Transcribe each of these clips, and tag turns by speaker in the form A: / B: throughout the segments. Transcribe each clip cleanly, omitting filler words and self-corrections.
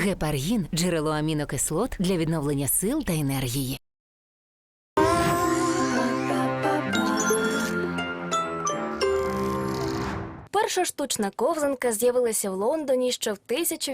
A: Гепаргін – джерело амінокислот для відновлення сил та енергії.
B: Перша штучна ковзанка з'явилася в Лондоні ще в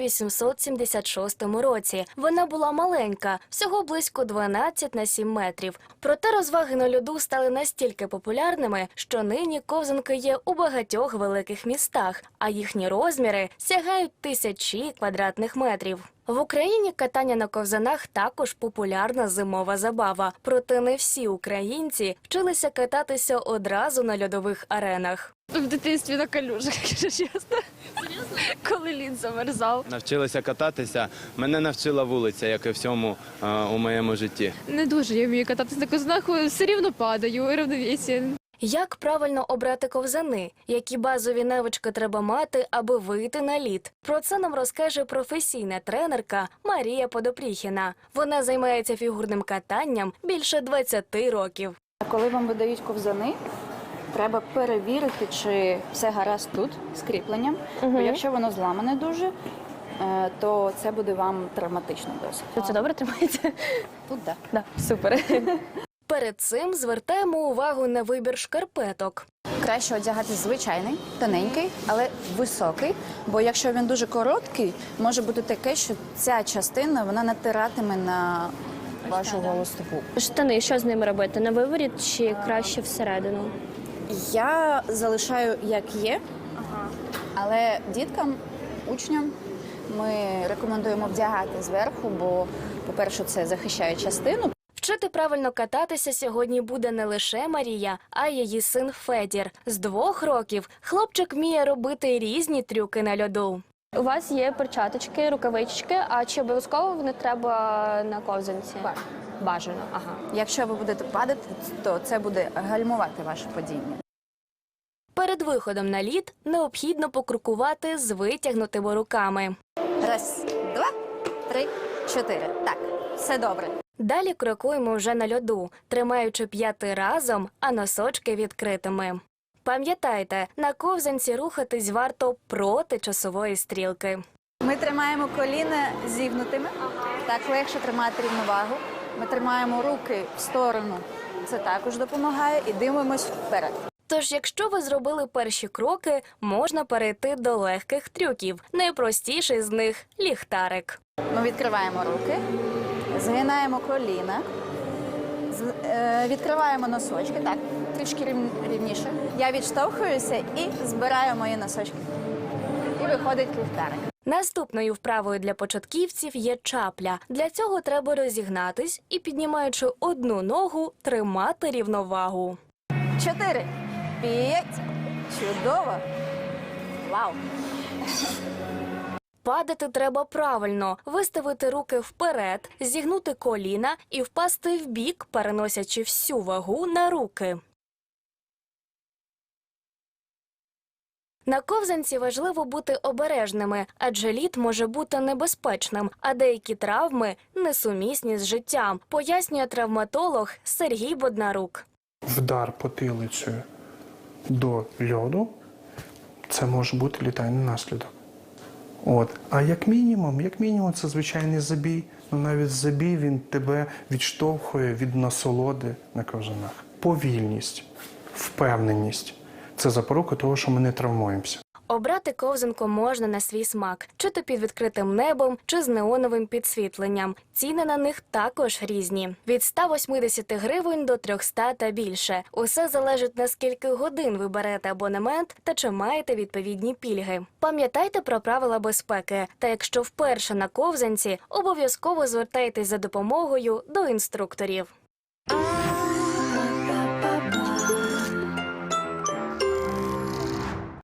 B: 1876 році. Вона була маленька, всього близько 12 на 7 метрів. Проте розваги на льоду стали настільки популярними, що нині ковзанки є у багатьох великих містах, а їхні розміри сягають тисячі квадратних метрів. В Україні катання на ковзанах також популярна зимова забава. Проте не всі українці вчилися кататися одразу на льодових аренах.
C: В дитинстві на калюжах, якщо чесно. Серйозно? Коли лід замерзав.
D: Навчилася кататися. Мене навчила вулиця, як і всьому у моєму житті.
C: Не дуже я вмію кататися на ковзанах, все рівно падаю, рівновесія.
B: Як правильно обрати ковзани? Які базові навички треба мати, аби вийти на лід? Про це нам розкаже професійна тренерка Марія Подопріхіна. Вона займається фігурним катанням більше 20 років.
E: Коли вам видають ковзани, треба перевірити, чи все гаразд тут з кріпленням. Бо якщо воно зламане дуже, то це буде вам травматично досить.
C: Це добре тримається?
E: Тут так.
C: Да, супер.
B: Перед цим звертаємо увагу на вибір шкарпеток.
E: Краще одягати звичайний, тоненький, але високий. Бо якщо він дуже короткий, може бути таке, що ця частина вона натиратиме на вашу голу стопу.
C: Штани, що з ними робити? На виворіт чи краще всередину?
E: Я залишаю як є, але діткам, учням ми рекомендуємо вдягати зверху, бо, по-перше, це захищає частину.
B: Вчити правильно кататися сьогодні буде не лише Марія, а й її син Федір. З 2 років хлопчик вміє робити різні трюки на льоду.
C: У вас є перчаточки, рукавички, а чи обов'язково вони треба на ковзанці? Бажано, ага.
E: Якщо ви будете падати, то це буде гальмувати ваше падіння.
B: Перед виходом на лід необхідно покрокувати з витягнутими руками.
E: 1, 2, 3, 4. Так, все добре.
B: Далі крокуємо вже на льоду, тримаючи п'яти разом, а носочки відкритими. Пам'ятайте, на ковзанці рухатись варто проти часової стрілки.
E: Ми тримаємо коліна зігнутими, так легше тримати рівновагу. Ми тримаємо руки в сторону, це також допомагає, і дивимось вперед.
B: Тож, якщо ви зробили перші кроки, можна перейти до легких трюків. Найпростіший з них – ліхтарик.
E: Ми відкриваємо руки, згинаємо коліна, відкриваємо носочки, так, трішки рівніше. Я відштовхуюся і збираю мої носочки. І виходить ліхтарик.
B: Наступною вправою для початківців є чапля. Для цього треба розігнатись і, піднімаючи одну ногу, тримати рівновагу.
E: 4, 5, чудово, вау.
B: Падати треба правильно, виставити руки вперед, зігнути коліна і впасти вбік, переносячи всю вагу на руки. На ковзанці важливо бути обережними, адже лід може бути небезпечним, а деякі травми несумісні з життям, пояснює травматолог Сергій Боднарук.
F: Вдар потилицею до льоду – це може бути літальний наслідок. А як мінімум, це звичайний забій. Навіть забій він тебе відштовхує від насолоди на ковзанах. Повільність, впевненість – це запорука того, що ми не травмуємося.
B: Обрати ковзанку можна на свій смак, чи то під відкритим небом, чи з неоновим підсвітленням. Ціни на них також різні. Від 180 гривень до 300 та більше. Усе залежить, на скільки годин ви берете абонемент та чи маєте відповідні пільги. Пам'ятайте про правила безпеки. Та якщо вперше на ковзанці, обов'язково звертайтесь за допомогою до інструкторів.